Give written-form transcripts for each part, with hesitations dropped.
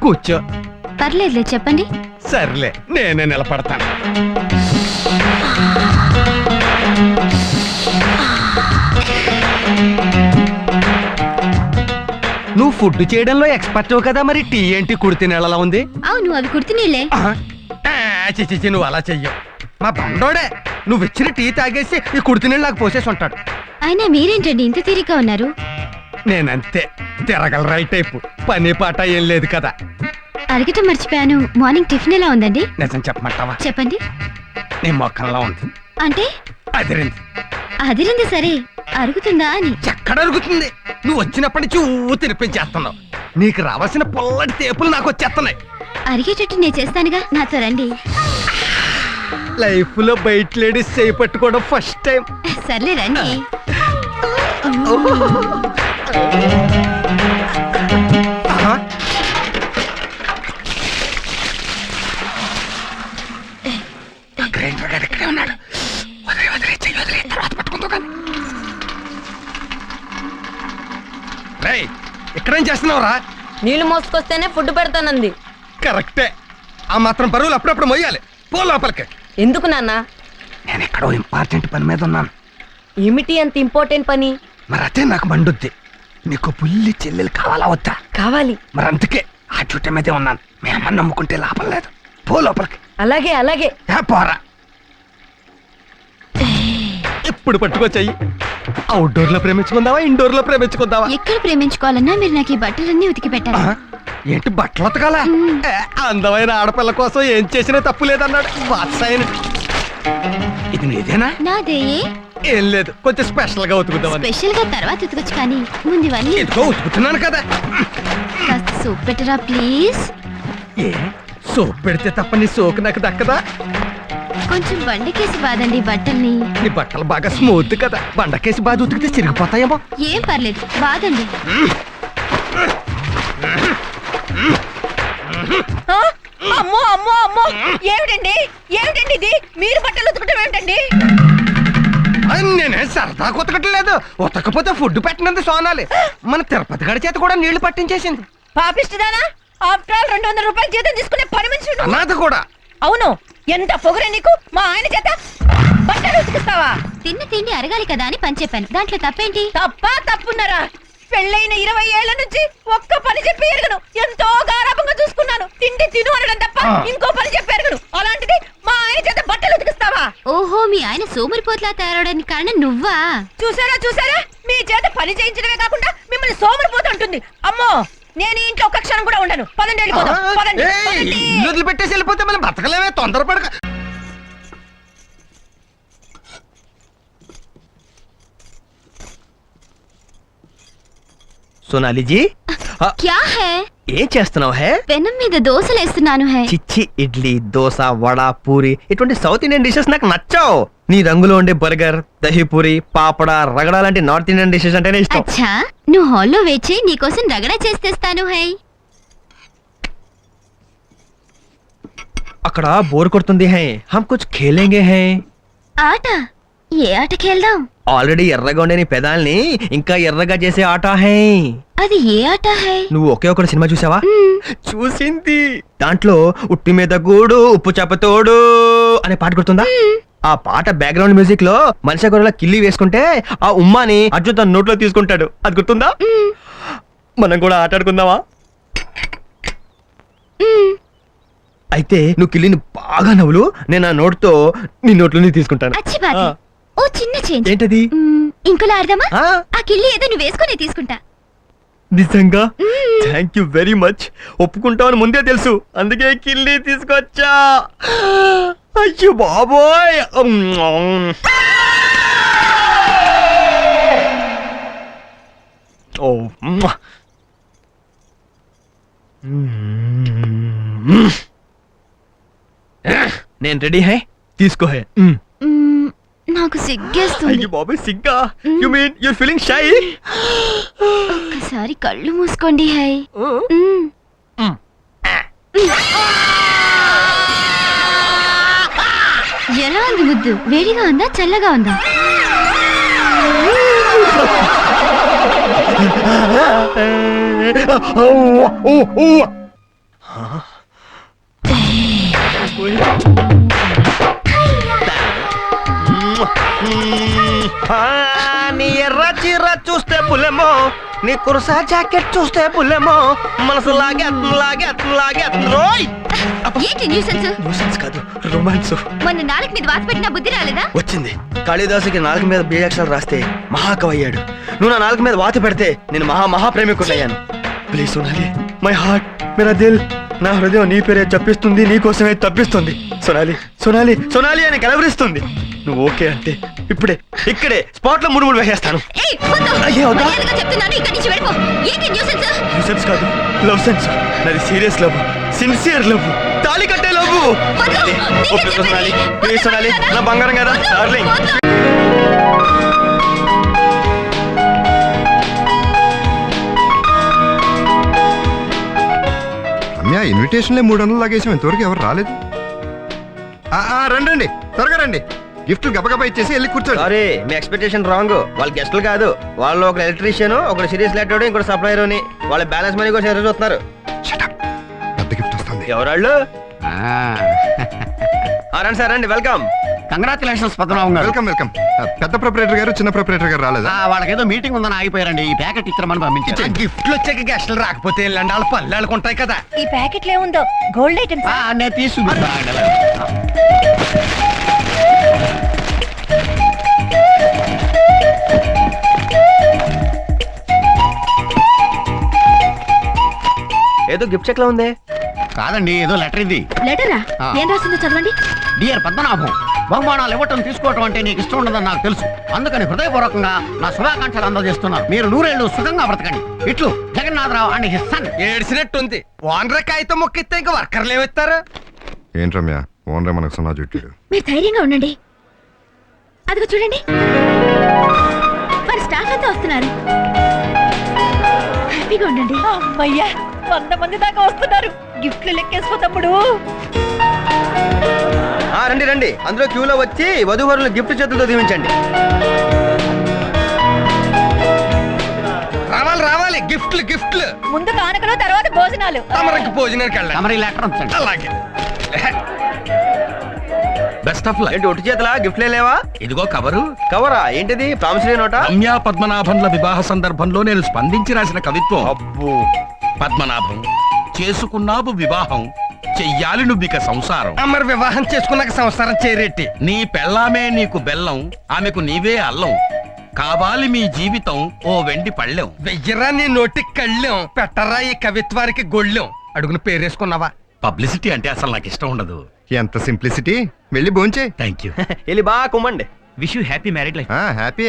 కూర్చో. పర్లేదులే, చెప్పండి. సర్లే, నేనే నిలబడతాను. నువ్వు ఫుడ్ చేయడంలో ఎక్స్పర్ట్ కదా, మరి టీ ఏంటి కుడితి నీళ్ళలా ఉంది? అవును, అవి కుడితి నీళ్ళే. చిచి, నువ్వు అలా చెయ్యవు. మా బండోడే నువ్వు ఇచ్చిన టీ తాగేసి ఈ కుడితి నీళ్ళు నాకు పోసేసి ఉంటాడు. అయినా మీరేంటండి ఇంత తీరిగ్గా ఉన్నారు? నేనంతే, తిరగల రైట్ టైపు, పని పాట ఏం లేదు కదా. అడగటం మర్చిపోయాను, మార్నింగ్ టిఫిన్ ఎలా ఉందండి? నిజం చెప్పమంటావా? చెప్పండి. నీ మొక్కల్లో ఉంది. అంటే అదిరింది. అదిరింది సరే, అరుగుతుందా అని. ఎక్కడ అరుగుతుంది? నువ్వు వచ్చినప్పటి నుంచి తినిపించేస్తున్నావు. నీకు రావాల్సిన పొల్లటి తేపులు నాకు వచ్చేస్తున్నాయి. అరిగేటట్టు నేను చేస్తానుగా, నాతో రండి. లైఫ్ లో బయట లేడీస్ చేయి పట్టుకోవడం ఫస్ట్ టైం. సర్లే రండి. ఇక్కడేం చేస్తున్నావురా? నీళ్లు మోసుకొస్తేనే ఫుడ్ పెడతానంది. కరెక్టే, ఆ మాత్రం బరువులు అప్పుడప్పుడు మొయ్యాలి. పో లోపలికి. ఎందుకు నాన్న? నేను ఎక్కడో ఇంపార్టెంట్ పని మీద ఉన్నాను. ఏమిటి అంత ఇంపార్టెంట్ పని? మరి అదే నాకు మండుద్ది. నీకు పుల్లి చెల్లెలు కావాలా వద్దా? కావాలి. మరి అందుకే ఆ చుట్ట మీదే ఉన్నాను. మీ అమ్మని నమ్ముకుంటే లాభం లేదు. పో లోపలికి. అలాగే అలాగే. పోరా. ఇప్పుడు పట్టుకొచ్చాయి. అవుట్డోర్ లో ప్రేమించుకుందావా, ఇండోర్ లో ప్రేమించుకుందావా? ఎక్కడ ప్రేమించుకోవాలన్నా మీరు నాకు ఈ బట్టలన్నీ ఉతికి పెట్టాలి. ఏంటి బట్టలు ఉతకాలా? అందమైన ఆడపిల్ల కోసం ఏం చేసినా తప్పు లేదన్నాడు వాత్సాయన. ఇది నీదేనా? నాదే. ఏం లేదు, కొంచెం స్పెషల్ గా ఉతుకుతావని. స్పెషల్ గా తర్వాత ఉతకొచ్చు, కానీ ముందు ఇవన్నీ ఎందుకో ఉతుకుతున్నాను కదా. కాస్త సోప్ పెట్టరా ప్లీజ్. ఏ సోప్ పెడితే తప్ప నీ సోకు నాకు దక్కదా? కొంచెం బండకేసి బాదండి బట్టల్ని. నీ బట్టలు బాగా స్మూత్ కదా, బండకేసి బాగా ఉతికితే చిరిగిపోతాయేమో. ఏం పర్లేదు, బాదండి. అమ్మో అమ్మో అమ్మో, ఏమిటండి ఏమిటండి ఇది? మీరు బట్టలు ఉతకటం ఏమిటండి? నేనే సరదా ఉతకట్లేదు. ఉతకపోతే ఫుడ్ పెట్టినంత సోనాలి. మన తిరుపతి గడి చేత కూడా నీళ్లు పట్టించేసింది. పాపిష్టిదానా? ఆఫ్టర్ ఆల్ 200 రూపాయలు జీతం తీసుకునే పని మనిషి. అనాథ కూడా. అవును, ఎంత పొగరే నీకు? మా ఆయన చేత బట్టలు ఉతికిస్తావా? తిన్న తిండి అరగాలి కదా అని పని చెప్పాను, దాంట్లో తప్పేంటి? తప్పున్నారా? పెళ్ళైన 20 ఏళ్ల నుంచి ఒక్క పని చెప్పి ఎరగను. ఎంతో గారాబంగా చూసుకున్నాను. తిండి తిను అనడం తప్ప ఇంకో పని చెప్పి ఎరగను. అలాంటిది మా ఆయన చేత బట్టలు ఉతికిస్తావా? ఓహో, మీ ఆయన సోమరిపోట్లా తయారవడానికి కారణం నువ్వా? చూసారా, మీ చేత పని చేయించడమే కాకుండా మిమ్మల్ని సోమరిపోతూ ఉంటుంది. అమ్మో, నేను ఇంట్లో ఒక్క క్షణం కూడా ఉండను. పదండి, వెళ్ళిపోదాం. ఇల్లు పెట్టేసి వెళ్ళిపోతే మనం బతకలేమే, తొందరపడక. సోనాలి జీ, క్యా హై? ఏం చేస్తున్నావు? హే, పెనం మీద దోశలు వేస్తున్నాను. హై చిచ్చి, ఇడ్లీ, దోశ, వడ, పూరి ఇటువంటి సౌత్ ఇండియన్ డిషెస్ నాకు నచ్చావు. నీ రంగులో ఉండే బర్గర్, దహీపూరి, పాపడ, రగడ లాంటి నార్త్ ఇండియన్ డిషెస్ అంటేనే ఇష్టం. అచ్చా, నువ్వు హాల్లో వేచి నీకోసం రగడా చేస్తేస్తాను. హై, అక్కడ బోర్ కొడుతుంది. హై, హమ్ కుచ్ ఖేలేంగే. హై, ఆట? ఏ ఆట ఖేల్దాం? ఆల్రెడీ ఎర్రగా ఉండే నీ పెదాల్ని ఇంకా ఎర్రగా చేసే ఆట. హై, అది ఏ ఆట? హై, నువ్వు ఒకే ఒక సినిమా చూసావా? చూసింది. దాంట్లో ఉట్టి మీద గూడు ఉప్పు చేపతోడు అనే పాట గుర్తుందా? ఆ పాట బ్యాక్గ్రౌండ్ మ్యూజిక్ లో మనిషి గొర్రెల కిల్లి వేసుకుంటే ఆ ఉమ్మాని అర్జున్ తన నోట్లో తీసుకుంటాడు. అది గుర్తుందా? మనం కూడా ఆటాడుకుందామా? అయితే నువ్వు కిల్లిని బాగా నవ్వులు, నేను ఆ నోట్తో నీ నోట్లో తీసుకుంటాను. అచ్చి బాధ. ఓ చిన్న చేంజ్. ఏంటది? ఇంకోలా ఆడదామా? ఆ కిల్లి ఏదో నువ్వు వేసుకునే తీసుకుంటా. నిజంగా? Thank you very much. ఒప్పుకుంటావని ముందే తెలుసు, అందుకే కిల్లి తీసుకొచ్చా. అయ్యో బాబోయ్. ఓ నేను రెడీ. హై, తీసుకో. హై, నాకు సిగ్గేస్తుంది. అయ్యో బాబోయ్, సిగ్గా? You mean you are feeling shy? ఒక్కసారి కళ్ళు మూసుకోండి. హై, ఎలా ఉంది ముద్దు? వేడిగా ఉందా, చల్లగా ఉందా? నీ ఎర్ర చీర చూస్తే పులెమో, నీ కుర్సా జాకెట్ చూస్తే పులెమో, మనసు లాగే రోయ్. ఏంటి న్యూసెన్స్? న్యూసెన్స్ కాదు, రొమాన్స్. మొన్న నాలుగు మీద వాత పెట్టిన బుద్ధి రాలేదా? వచ్చింది. కాళిదాసుకి నాలుగు మీద బీజాక్షరాలు రాస్తే మహాకవి అయ్యాడు. నువ్వు నా నాలుగు మీద వాత పెడితే నేను మహాప్రేమికుడయ్యాను. ప్లీజ్ సోనాలి, మై హార్ట్, మేరా దిల్, నా హృదయం నీ పేరే చెప్పిస్తుంది, నీ కోసమే తప్పిస్తుంది. సోనాలి అని కలవరిస్తుంది. నువ్వు ఓకే అంటే ఇక్కడే స్పాట్ లో మూడు వేసేస్తాను. న్యూసెన్స్ కాదు, లవ్ సెన్స్. నాది సీరియస్ లవ్, సిన్సియర్ లవ్, తాళి కట్టే లవ్. సోనాలి, నా బంగారం కదా డార్లింగ్. రమ్య, ఇన్విటేషన్లే 300 లాగేసాం, ఇంతవరకు ఎవరు రాలేదు. రండి, త్వరగా రండి. గిఫ్ట్లు గబగబా ఇచ్చేసి వెళ్ళి కూర్చోండి. సారీ, మీ ఎక్స్పెక్టేషన్ రాంగ్. వాళ్ళు గెస్టులు కాదు, వాళ్ళు ఒక ఎలక్ట్రీషియన్, ఒకటి సిరీస్ లెటర్, ఇంకోటి సప్లైర్ అని. వాళ్ళ బ్యాలెన్స్ మనీ కోసం ఎదురు చూస్తున్నారు. పెద్ద గిఫ్ట్ వస్తుంది. ఎవరాళ్ళు? రండి సార్, రండి, వెల్కమ్. కంగ్రాచులేషన్స్ పద్మనాభం గారు. వెల్కమ్. పెద్ద ప్రొపరేటర్ గారు, చిన్న ప్రొపరేటర్ గారు రాలేదా? వాళ్ళకేదో మీటింగ్ ఉందని ఆగిపోయారండి. ఈ ప్యాకెట్ ఇచ్చామని పంపించారు. గిఫ్ట్లు వచ్చాక గెస్టులు రాకపోతే వెళ్ళండి, వాళ్ళ పళ్ళు వాళ్ళకుంటాయి కదా. ఈ ప్యాకెట్లో ఏముందో? Gold items. నేను తీసుకుంటా. ఏదో గిఫ్ట్ చెక్ లో ఉంది. కాదండి, ఏదో లెటర్ ఇది. లెటరా? ఏం రాసిందో చదవండి. డియర్ పద్మనాభం, బహుమానాలు ఇవ్వటం తీసుకోవటం అంటే నీకు ఇష్టం ఉండదని నాకు తెలుసు. అందుకని హృదయపూర్వకంగా నా శుభాకాంక్షలు అందజేస్తున్నాను. మీరు 100 ఏళ్ళు సుఖంగా బ్రతకండి. ఇట్లు జగన్నాథరావు అండ్ హిస్ సన్. ఏడ్చినట్టుంది. ఓనర్ కాగితం మొక్కిస్తే ఇంకా వర్కర్లు ఏమిస్తారు? ఏంటి రమ్య, ఓనరే మనకు సున్నా చుట్టాడు. మీరు ధైర్యంగా ఉండండి. అదిగో చూడండి, మరి స్టాఫ్ అంతా వస్తున్నారు. హ్యాపీగా ఉండండి. అమ్మయ్యా, 100 మంది దాకా వస్తున్నారు. గిఫ్ట్లు లెక్కేసుకో తమ్ముడు. రండి, అందులో క్యూలో వచ్చి వధూవరులు గిఫ్ట్ చేతులతో దీవించండి. రావాలి, గిఫ్ట్లు. ముందు కానుకలు, తర్వాత భోజనాలు. తమరికి భోజనానికి వెళ్ళండి. తమరి లెటర్ ఉంచండి. అలాగే. Best of luck. ఏంటి ఒట్టి చేతలా గిఫ్ట్లే లేవా? ఇదిగో కవరు. కవరా? ఏంటిది? ప్రామిసరీ నోటా? రమ్య పద్మనాభంల వివాహ సందర్భంలో నేను స్పందించి రాసిన కవిత్వం. అబ్బో. పద్మనాభం, చేసుకున్నావు వివాహం, చెయ్యాలి నువ్విక సంసారం. మరి వివాహం చేసుకున్నాక సంసారం చేరేట్టి. నీ పెళ్ళామే నీకు బెల్లం, ఆమెకు నీవే అల్లం, కావాలి మీ జీవితం ఓ వెండి పళ్ళెం. వెయ్యరా నీ నోటికి కళ్ళెం, పెట్టరా ఈ కవిత్వానికి గొళ్ళెం. అడుగున పేరేసుకున్నావా? పబ్లిసిటీ అంటే అసలు నాకు ఇష్టం ఉండదు. ఎంత సింప్లిసిటీ. వెళ్ళి భోంచే. Thank you. వెళ్ళి బాగా కుమ్మండి. Wish you happy married life. Happy.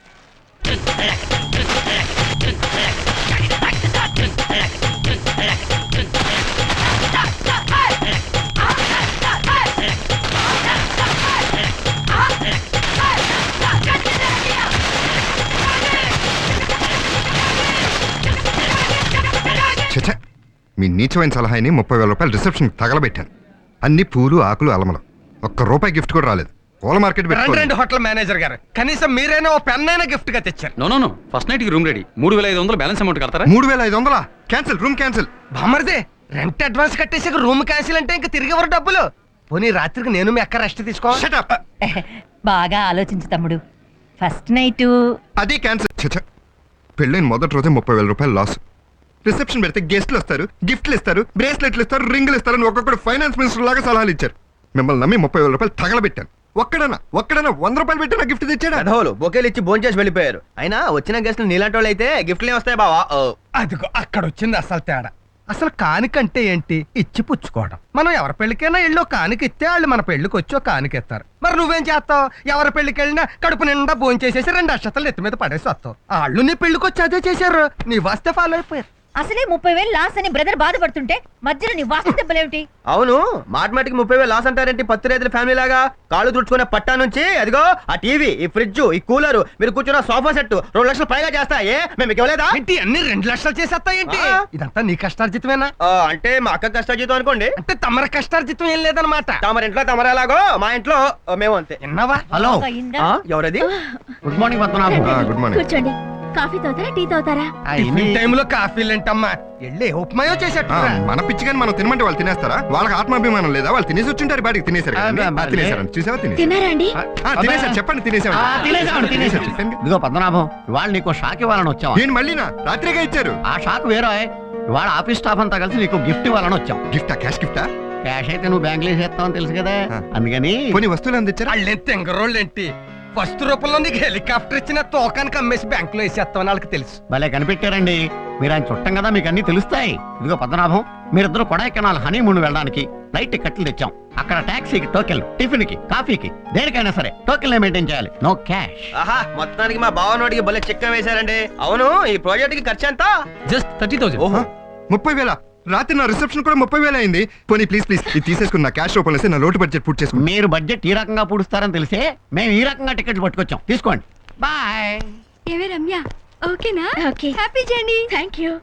మీ నీచమైన సలహాని 30,000 రూపాయలు రిసెప్షన్ తగలబెట్టాను. అన్ని పూలు, ఆకులు, అలమలం. ₹1 గిఫ్ట్ కూడా రాలేదు. పూల మార్కెట్ రెండు హోటల్ మేనేజర్ గారు, కనీసం మీరైనా ఓ పెన్ అయినా గిఫ్ట్ గా తెచ్చారు. నో ఫస్ట్ నైట్ కి రూమ్ రెడీ. 3,500 బ్యాలెన్స్ అమౌంట్ కడతారా? 3,500 క్యాన్సిల్. Room cancel. బామర్దే, రెంట్ అడ్వాన్స్ కట్టేసి రూమ్ క్యాన్సిల్ అంటే ఇంకా తిరిగి ఎవరు డబ్బులు? పోనీ రాత్రికి నేను మీ అక్క రెస్ట్ తీసుకో. బాగా ఆలోచించు తమ్ముడు. ఫస్ట్ నైట్ అది క్యాన్సిల్. పెళ్ళైన మొదటి రోజే 30,000 రూపాయలు లాస్. రిసెప్షన్ పెడితే గెస్ట్లు వస్తారు, గిఫ్ట్లు ఇస్తారు, బ్రేస్లెట్లు ఇస్తారు, రింగులు ఇస్తారు అని ఒక్కొక్కడు ఫైనాన్స్ మినిస్టర్ లాగా సలహాలు ఇచ్చారు. మిమ్మల్ని నమ్మి 30,000 రూపాయలు తగలబెట్టాను. ఒక్కడన్నా ₹100 పెట్టి నా గిఫ్ట్ తెచ్చాడు. అధోలు బొకేలు ఇచ్చి భోంచేసి వెళ్ళిపోయారు. అయినా వచ్చిన గెస్ట్లు నీలాంటి వాళ్ళు అయితే గిఫ్ట్లు వస్తాయి బావా. అదిగో అక్కడ వచ్చింది అసలు తేడా. అసలు కానికంటే ఏంటి? ఇచ్చి పుచ్చుకోవడం. మనం ఎవరి పెళ్లికైనా ఇళ్ళు కానుక ఇస్తే వాళ్ళు మన పెళ్లికి వచ్చి ఒక కానుకెత్తారు. మరి నువ్వేం చేస్తావు? ఎవరి పెళ్లికి వెళ్ళినా కడుపు నిండా భోంచేసేసి 2 అక్షతలు ఎత్తి మీద పడేసి వస్తావు. వాళ్ళు నీ పెళ్లికి వచ్చి అదే చేశారు. నీ వస్తే ఫాలో అయిపోయారు. అసలే 30,000 లాస్ అని బ్రదర్ బాధపడుతుంటే మధ్యలో నీ వాస్తు దెబ్బలేమిటి? అవును, మాటిమాటికి 30,000 లాస్ అంటారేంటి? 10 రైతుల ఫ్యామిలీ లాగా కాళ్ళు తుడుచుకునే పట్టా నుంచి అదిగో ఆ టీవీ, ఈ ఫ్రిడ్జ్, ఈ కూలర్, మీరు కూర్చున్న సోఫా సెట్ 2 లక్షలు పైగా చేస్తాయే. మేము ఇవ్వలేదా? ఏంటి అన్ని 2 లక్షలు చేసేస్తా ఏంటి? ఇదంతా నీ కష్టార్జితమేనా? అంటే మా అక్క కష్టార్జితం అనుకోండి. అంటే తమర కష్టార్జితం ఏం లేదనమాట. తమరింట్లో తమరేలాగో మా ఇంట్లో మేము అంతే. విన్నావా? హలో, ఎవరది? Good morning Padmanabham. Good morning. కూర్చోండి. కాఫీ తాగుతారా టీ తాగుతారా టైంలో కాఫీలు ఏంటమ్మా వెళ్ళి ఉప్మాయో చేసేట్టు మన పిచ్చి కానీ మనం తినమంటే వాళ్ళు తినేస్తారా? వాళ్ళకి ఆత్మాభిమానం లేదా? వాళ్ళు తినేసి వచ్చింటారు, బయటికి తినేసారు కదండి. తినేసారు చూసావా? తినేసారు. తిన్నారా అండి తినేసారు, చెప్పండి. తినేసామండి. చెప్పండి. ఇదిగో పద్మనాభం, ఇవాళ నీకు షాక్ ఇవ్వాలని వచ్చాం. నేను మళ్ళీనా రాత్రిగా ఇచ్చారు. ఆ షాక్ వేరే. ఇవాళ ఆఫీస్ స్టాఫ్ అంతా కలిసి నీకు గిఫ్ట్ ఇవ్వాలని వచ్చాం. గిఫ్టా? క్యాష్ గిఫ్టా? క్యాష్ అయితే నువ్వు బ్యాంకులో వేసేస్తావని తెలుసు కదా, ఆ. అందుకని కొన్ని వస్తువులు అందించారా? వాళ్ళు తెంగరోళ్ళు ఏంటి ఫస్ట్ రూపంలో నీకు హెలికాప్టర్ ఇచ్చిన తోకానికి అమ్మేసి బ్యాంక్ లో వేసేస్తామని వాళ్ళకి తెలుసు. భలే కనిపెట్టారండి. మీరు ఆయన చుట్టం కదా, మీకు అన్ని తెలుస్తాయి. ఇదిగో పద్మనాభం, మీరిద్దరు కొడైకెనాల్ హనీమూన్ వెళ్ళడానికి ఫ్లైట్ టికెట్లు తెచ్చాం. అక్కడ టాక్సీకి టోకెన్, టిఫిన్ కి, కాఫీకి, దేనికైనా సరే టోకెన్ మెయింటైన్ చేయాలి. No cash. ఆహా మొత్తానికి మా బావనోడికి భలే చెక్క వేశారండి. అవును ఈ ప్రాజెక్ట్ కి ఖర్చు ఎంత? జస్ట్ 30,000. ఓహో 30,000? రాత్రి నా రిసెప్షన్ కూడా 30,000 అయింది. పోనీ ప్లీజ్ ఇది తీసేసుకుని నా క్యాష్ రూపంలో వేసి నా లోటు బడ్జెట్ పూర్తి చేసుకుని. మీరు బడ్జెట్ ఈ రకంగా పూడుస్తారని తెలిసే మేము ఈ రకంగా టికెట్లు పట్టుకొచ్చాం. తీసుకోండి. బాయ్. ఏవే రమ్య ఓకేనా okay happy journey thank you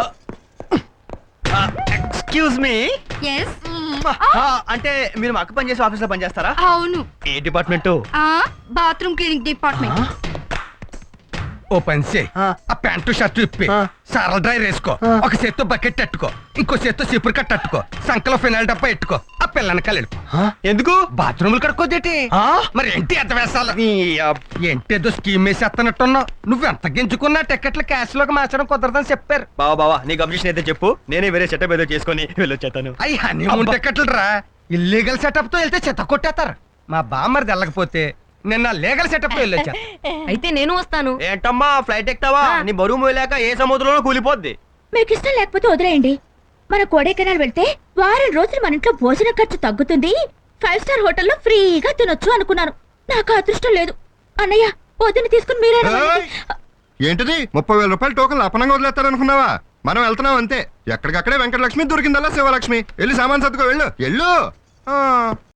excuse me. Yes అంటే మీరు మా అక్క పని చేసే ఆఫీస్ లో పని చేస్తారా? అవును ఏ డిపార్ట్మెంట్? బాత్రూమ్ క్లీనింగ్ డిపార్ట్మెంట్ ఓ పని చేయి, ఆ. ఆ ప్యాంటు షర్ట్ ఇప్పి సారల్ డ్రై వేసుకో, ఒక చేత్తో బకెట్ అట్టుకో, ఇంకో చేత్తో సిపురు కట్ట అట్టుకో, సంకలో ఫినాయిల్ డబ్బా ఎట్టుకో, ఆ పిల్లని కలిపి. ఎందుకు బాత్రూములు కడుక్కోదేటి? మరి ఏంటి ఎంత వేసాలి? ఏంటేదో స్కీమ్ వేసేస్తున్నట్టున్నావు. నువ్వు ఎంత గింజుకున్నా టికెట్లు క్యాష్ లోకి మార్చడం కుదరదని చెప్పారు. బావా నీకు అబ్జెక్షన్ అయితే చెప్పు, నేనే వేరే సెటప్ ఏదో చేసుకొని వెళ్ళొచ్చేతాను. అయ్యి హనీమూన్ టికెట్లు రా, ఇల్లీగల్ సెటప్ తో వెళ్తే చెత్త కొట్టేస్తారు. మా బామ్మది వెళ్ళకపోతే నిన్న లీగల్ సెటప్ తో వెళ్ళొచ్చా. అయితే నేను వస్తాను. ఏంటమ్మా ఫ్లైట్ ఎక్కుతావా? నీ బరువు మోయలేక ఏ సముద్రంలో కూలిపోద్ది. మీకు ఇష్టం లేకపోతే వదిలేయండి. మన కొడైకెనాల్ వెళ్తే వారం రోజులు మన ఇంట్లో భోజన ఖర్చు తగ్గుతుంది, 5 స్టార్ హోటల్లో ఫ్రీగా తినొచ్చు అనుకున్నాను. నాకు అదృష్టం లేదు. అన్నయ్య వదిన తీసుకుని మీరే ఏయ్! ఏంటిది 30,000 రూపాయలు టోకన్ అపనంగా వదిలేస్తారనుకున్నావా? మనం వెళ్తున్నాం అంతే. ఎక్కడికక్కడే వెంకటలక్ష్మి దొరికిందల్లా శివలక్ష్మి. వెళ్ళి సామాన్ సర్దుకో, వెళ్ళు.